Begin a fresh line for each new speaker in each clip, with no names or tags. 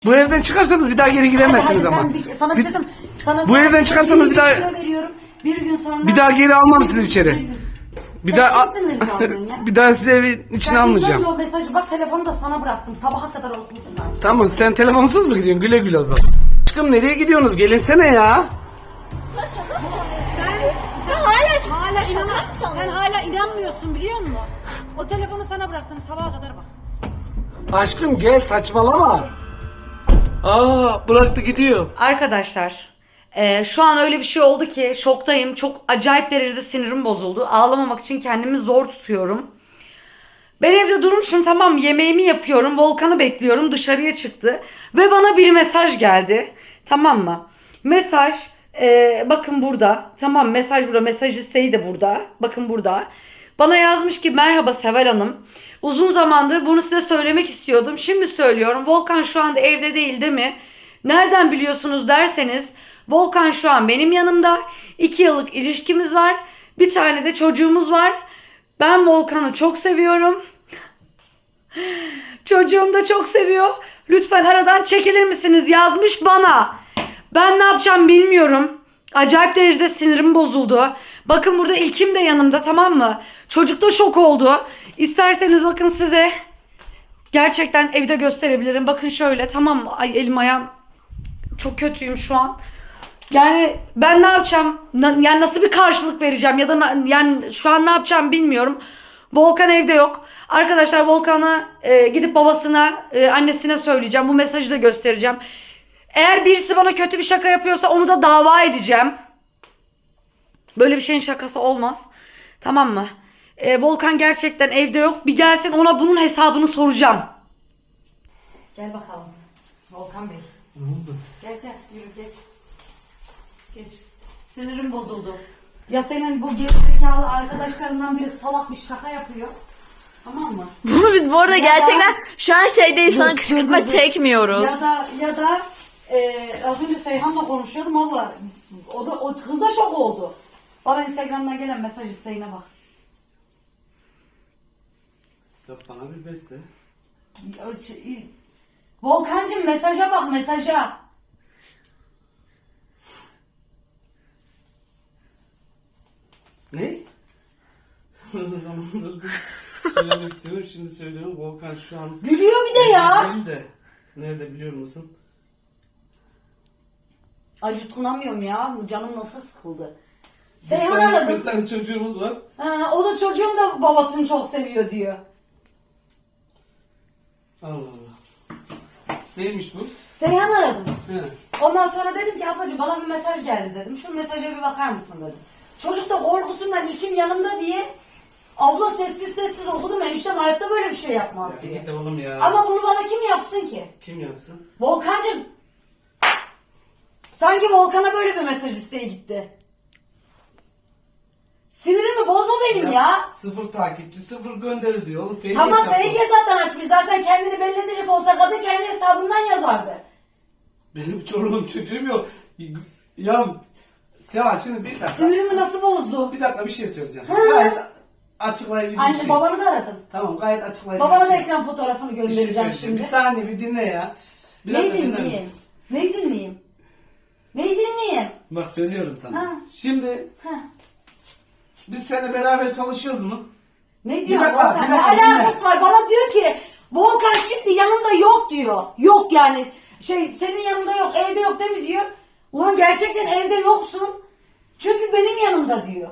Bu evden çıkarsanız bir daha geri giremezsiniz ama.
Sana bir şey söyleyeyim.
Bu evden çıkarsanız bir daha
veriyorum. Bir gün sonra.
bir daha geri almam sizi içeri. Bir daha bir daha sizi evin içine almayacağım.
O mesajı bak, telefonu da sana bıraktım. Sabaha kadar okumuşsun artık.
Tamam, sen telefonsuz mu gidiyorsun? Güle güle o zaman. Aşkım nereye gidiyorsunuz? Gelinsene ya.
Sen hala inanmıyorsun, biliyor musun? O telefonu sana bıraktım, sabaha kadar bak.
Aşkım gel, saçmalama. Aa, bıraktı gidiyor.
Arkadaşlar şu an öyle bir şey oldu ki şoktayım. Çok acayip derecede sinirim bozuldu. Ağlamamak için kendimi zor tutuyorum. Ben evde durmuşum, tamam, yemeğimi yapıyorum. Volkan'ı bekliyorum, dışarıya çıktı. Ve bana bir mesaj geldi. Tamam mı? Mesaj bakın burada. Tamam, mesaj burada. Mesaj isteği de burada. Bakın burada. Bana yazmış ki merhaba Seval Hanım. Uzun zamandır bunu size söylemek istiyordum. Şimdi söylüyorum. Volkan şu anda evde değil mi? Nereden biliyorsunuz derseniz, Volkan şu an benim yanımda. 2 yıllık ilişkimiz var. Bir tane de çocuğumuz var. Ben Volkan'ı çok seviyorum. Çocuğum da çok seviyor. Lütfen aradan çekilir misiniz yazmış bana. Ben ne yapacağım bilmiyorum. Acayip derecede sinirim bozuldu. Bakın burada İlkim de yanımda, tamam mı? Çocuk da şok oldu. İsterseniz bakın size gerçekten evde gösterebilirim. Bakın şöyle, tamam mı? Ay, elim ayağım çok kötüyüm şu an. Yani ben ne yapacağım? Yani nasıl bir karşılık vereceğim ya da yani şu an ne yapacağım bilmiyorum. Volkan evde yok. Arkadaşlar Volkan'a gidip babasına, annesine söyleyeceğim. Bu mesajı da göstereceğim. Eğer birisi bana kötü bir şaka yapıyorsa onu da dava edeceğim. Böyle bir şeyin şakası olmaz. Tamam mı? Volkan gerçekten evde yok. Bir gelsin, ona bunun hesabını soracağım. Gel bakalım. Volkan Bey.
Ne oldu?
Gel yürü geç. Geç. Sinirim bozuldu. Ya senin bu gerizekalı arkadaşlarından biri salak bir şaka yapıyor. Tamam mı?
Bunu biz bu arada gerçekten şu an şeydeyiz, sana kışkırtma çekmiyoruz.
Ya da az önce Seyhan'la konuşuyordum abla. O kız da şok oldu. Bana Instagram'dan gelen mesaj isteğine bak.
Yap bana bir beste.
Volkancığım mesaja bak, mesaja.
Ne? Uzun zamandır söylemek istiyorum. Şimdi söylüyorum. Volkan şu an...
Gülüyor bir de ya.
Değil de. Nerede biliyor musun?
Ay yutkunamıyorum ya. Canım nasıl sıkıldı.
Bir
Seyhan
tane,
aradım.
bir tane çocuğumuz var.
Ha, o da çocuğum da babasını çok seviyor diyor.
Allah Allah. Neymiş bu?
Seyhan aradım.
He.
Ondan sonra dedim ki ablacığım bana bir mesaj geldi dedim. Şu mesaja bir bakar mısın dedim. Çocuk da korkusundan İlkim yanımda diye abla sessiz sessiz okudum, eniştem hayatta böyle bir şey yapmaz
Ya
diye.
git de oğlum ya.
Ama bunu bana kim yapsın ki?
Kim yapsın?
Volkancığım. Sanki Volkan'a böyle bir mesaj isteği gitti. Sinirimi bozma benim ya.
Sıfır takipçi, sıfır gönderi diyor oğlum. Fake
Tamam,
hesap
fake hesaptan açmış. Zaten kendini belli edecek olsa kadın kendi hesabından yazardı.
Benim çoluğum çocuğum yok. Ya Seval şimdi bir dakika.
Sinirimi nasıl bozdu?
Bir dakika bir şey söyleyeceğim.
Ha.
Gayet açıklayıcı bir
Anne
şey.
babanı da aradım.
Tamam, gayet açıklayıcı
Babana
bir
da
şey.
ekran fotoğrafını
Bir şey
göndereceğim
söyleyeceğim. Bir
şimdi.
saniye bir dinle ya. Bir
Neyi
dakika dinler
dinleyeyim?
misin?
Neyi dinleyeyim? Neyi dinleyeyim?
Bak söylüyorum sana.
Ha.
Şimdi
Heh.
biz seninle beraber çalışıyoruz mu?
Ne diyor
dakika,
Volkan?
bir
Ne
dakika,
alakası var? Bana diyor ki Volkan şimdi yanımda yok diyor. Yok yani. Senin yanında yok, evde yok değil mi diyor. Ulan gerçekten evde yoksun. Çünkü benim yanımda diyor.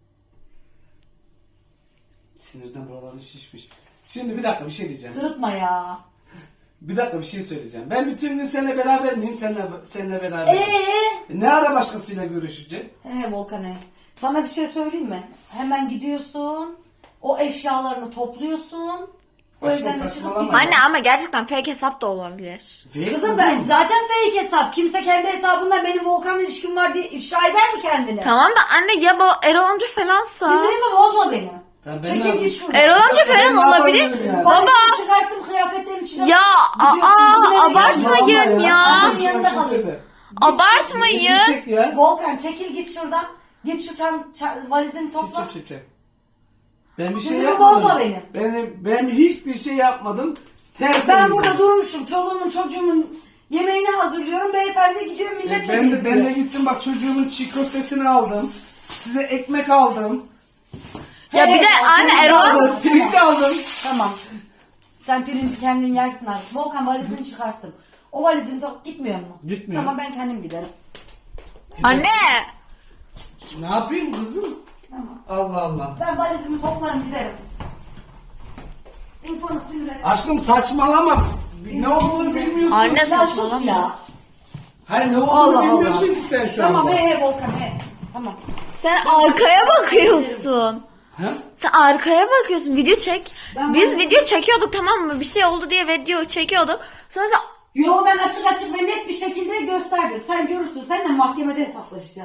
Sinirden buraları şişmiş. Şimdi bir dakika bir şey diyeceğim.
Sırıtma ya.
Bir dakika bir şey söyleyeceğim. Ben bütün gün seninle beraber miyim? Seninle beraber. Ne ara başkasıyla görüşeceğim?
Volkan sana bir şey söyleyeyim mi? Hemen gidiyorsun. O eşyalarını topluyorsun. O
Aşkım
evden de çıkıp
saçmalama.
gidiyorsun.
Anne ama gerçekten fake hesap da olabilir.
Kızım ben zaten fake hesap. Kimse kendi hesabından benim Volkan'la ilişkim var diye ifşa eder mi kendini?
Tamam da anne ya Erol amca falansa.
Sinirimi bozma benim.
Tamam, ben ne
Çekil git
yapayım?
şuradan.
Erol amca
Ben
falan
ne
olabilir.
yapabilirim yani?
Baba.
Çıkarttım kıyafetlerin içine.
Ya
Gidiyorsun, bugün eve
abartmayın
gidiyorsun.
ya.
Annem yanında kalıyor.
Abartmayın.
Çek ya.
Volkan çekil git şuradan. Git şu valizini topla.
Çek. Ben bir şey
Sinirimi
yapmadım.
bozma benim.
Ben hiçbir şey yapmadım. Tertemiz.
Ben burada durmuşum. Çoluğumun çocuğumun Yemeğini hazırlıyorum. Beyefendi gidiyor milletle
Ben
geziyor.
de gittim bak çocuğumun çiğ köftesini aldım. Size ekmek aldım.
Ya bir de anne
Pirinç
Erol.
aldım. Pirinç aldım.
Tamam. Sen pirinci kendin yersin artık. Volkan valizini çıkarttım. O valizini gitmiyor mu?
Gitmiyor.
Tamam ben kendim giderim.
Anne.
Ne yapayım kızım?
Tamam.
Allah Allah.
Ben valizimi toplarım giderim. İnsanı sinirlenir.
Aşkım saçmalama. Ne olduğunu bilmiyorsun.
Anne
Ya sus
saçmalama.
ya.
Hayır ne olduğunu
Allah
bilmiyorsun
Allah.
ki sen şu
Tamam
anda.
Volkan Tamam.
Sen arkaya bakıyorsun.
Ha?
Sen arkaya bakıyorsun. Video çek.
Ben
Biz
böyle-
video çekiyorduk tamam mı? Bir şey oldu diye video çekiyorduk. Sonra sen
Yo ben açık ve net bir şekilde gösterdim. Sen görürsün. Seninle mahkemede hesaplaşacağız.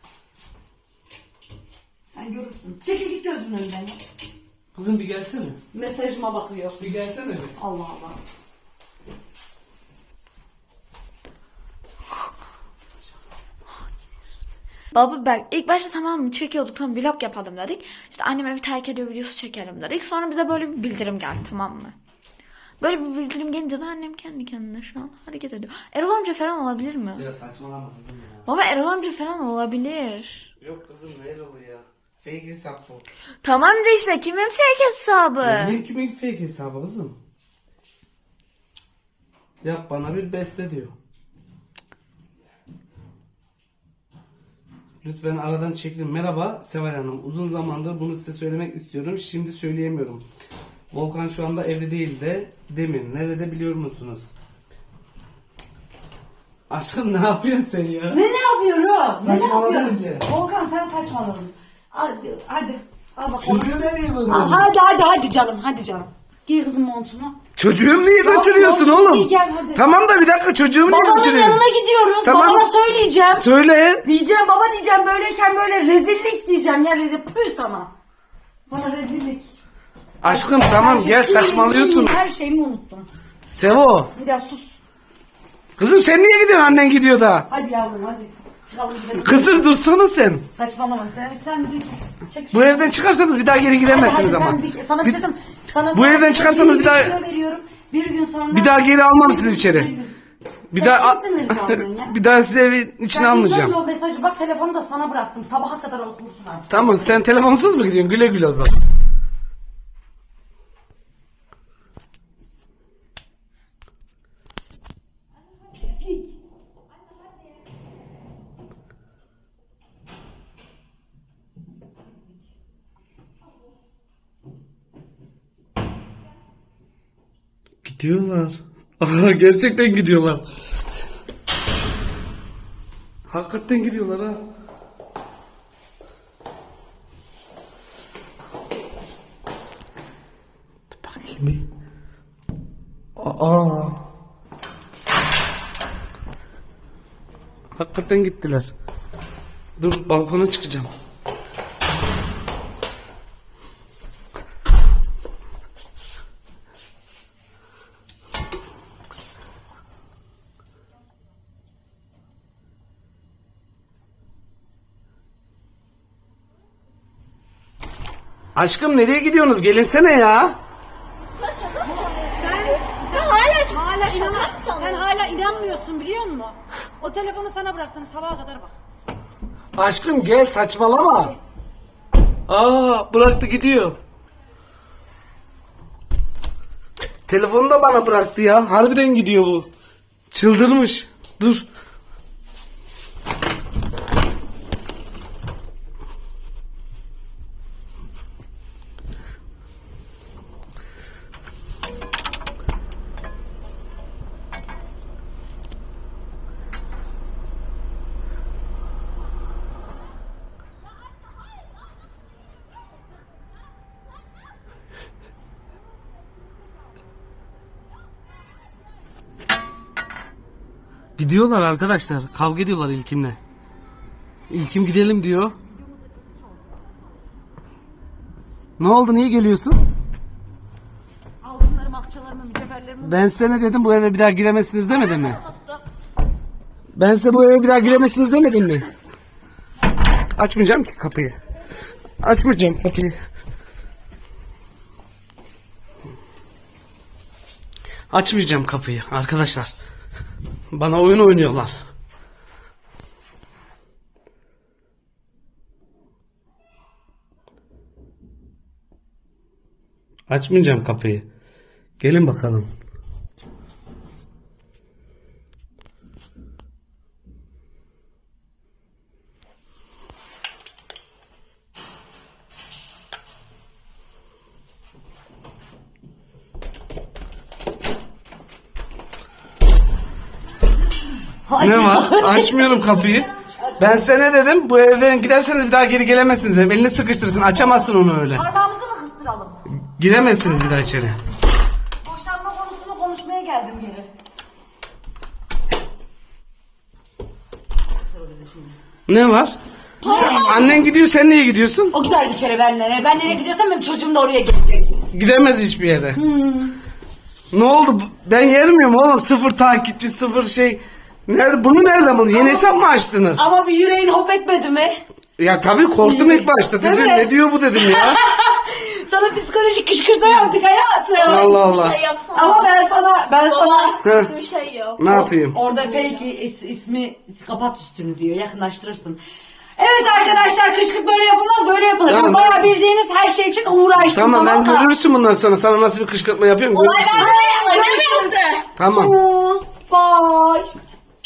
Sen görürsün. Çekil git gözümün önünden ya.
Kızım bir gelsene.
Mesajıma bakıyor.
Bir gelsene bir.
Allah Allah.
baba bak ilk başta tamam mı çekiyorduk tamam vlog yapalım dedik. İşte annem evi terk ediyor videosu çekelim dedik. Sonra bize böyle bir bildirim geldi tamam mı? Böyle bir bildirim gelince de annem kendi kendine şu an hareket ediyor. Erol amca falan olabilir mi?
Ya saçmalama kızım ya.
Baba Erol amca falan olabilir.
Yok kızım ne Erol'u ya. Fake hesap bu.
Tamam da işte kimin fake hesabı?
Benim kimin fake hesabı kızım? Yap bana bir beste diyor. Lütfen aradan çekilin. Merhaba Seval Hanım. Uzun zamandır bunu size söylemek istiyorum. Şimdi söyleyemiyorum. Volkan şu anda evde değil de demin. Nerede biliyor musunuz? Aşkım ne yapıyorsun sen ya?
Ne yapıyorum? Ne
Saçmaladın
yapıyorum?
önce.
Volkan sen saçmaladın. Hadi. Al bakalım.
Çocuğu nereye
Al,
gönderiyorsun?
hadi canım. Hadi canım. Giy kızım montunu.
Çocuğumu niye götürüyorsun
Ya,
oğlum?
iyi, gel, hadi.
Tamam da bir dakika çocuğumu niye
Babanın
götürüyorsun?
yanına gidiyoruz.
Tamam.
Babana söyleyeceğim.
Söyle.
Diyeceğim baba diyeceğim böyleyken böyle rezillik diyeceğim ya püh sana. Sana rezillik.
Aşkım tamam gel saçmalıyorsun.
Her şeyimi unuttum.
Sevo.
Bir daha sus.
Kızım sen niye gidiyorsun annen gidiyor da?
Hadi yavrum hadi. Çıkalım gidelim.
Kızım dursana sen.
Saçmalama sen bir çek
Bu evden çıkarsanız bir daha geri giremezsiniz ama.
Sana bir şey söyleyeyim. Sana
Bu evden çıkarsanız bir daha-
kilo veriyorum. Bir gün sonra.
Bir daha geri almam sizi
Bir
içeri.
gün.
Bir
Sen
daha
kimsin Rıza alıyorsun ya?
bir daha sizi evin içine
Sen
almayacağım.
ilk önce o mesajı bak telefonu da sana bıraktım. Sabaha kadar okursun artık.
Tamam sen telefonsuz mu gidiyorsun? Güle güle o zaman. Gidiyorlar. Aha, gerçekten gidiyorlar. Hakikaten gidiyorlar ha. Bakayım bir. Aa. Hakikaten gittiler. Dur balkona çıkacağım. Aşkım nereye gidiyorsunuz? Gelinsene ya.
Sen hala inanmıyorsun biliyor musun? O telefonu sana bıraktım sabaha kadar bak.
Aşkım gel saçmalama. Aa bıraktı gidiyor. Telefonu da bana bıraktı ya. Harbiden gidiyor bu. Çıldırmış. Dur. Gidiyorlar arkadaşlar. Kavga ediyorlar İlkim'le. İlkim gidelim diyor. Ne oldu? Niye geliyorsun?
Altınlarımı, akçalarımı, mücevherlerimi.
Ben size ne dedim? Bu eve bir daha giremezsiniz demedim mi? Ben size bu eve bir daha giremezsiniz demedim mi? Açmayacağım ki kapıyı. Açmayacağım kapıyı. Açmayacağım kapıyı arkadaşlar. Bana oyun oynuyorlar. Açmayacağım kapıyı. Gelin bakalım. Ne var? Açmıyorum kapıyı. Ben size ne dedim? Bu evden giderseniz bir daha geri gelemezsiniz dedim. Elini sıkıştırsın. Açamazsın onu öyle.
Parmağımızı mı kıstıralım?
Giremezsiniz bir daha içeri.
Boşanma konusunu konuşmaya geldim geri.
Ne var? Annen gidiyor, sen niye gidiyorsun?
O gider bir kere benle. Ben nereye gidiyorsam benim çocuğum da oraya gelecek.
Gidemez hiçbir yere. Ne oldu? Ben yermiyorum oğlum. Sıfır takipçi, sıfır şey. Nerede? Bunu nereden buldun? Yeni hesap mı açtınız?
Ama bir yüreğin hop etmedi mi?
Ya tabii korktum ilk başta.
Değil
Dedim
mi?
ne diyor bu dedim ya.
Sana psikolojik kışkırtma yaptık hayatım.
Allah Allah.
Şey yapsana.
Ama ben sana
Heh.
Bir şey yok.
Ne yapayım?
orada fake ismi kapat üstünü diyor. Yakınlaştırırsın. Evet arkadaşlar, kışkırt böyle yapılmaz, böyle yapılır.
Tamam.
Bayağı bildiğiniz her şey için uğraştım.
Tamam ben
mı?
görürsün bundan sonra. Sana nasıl bir kışkırtma yapıyorum görürsün.
Olay bende.
Tamam.
Bye.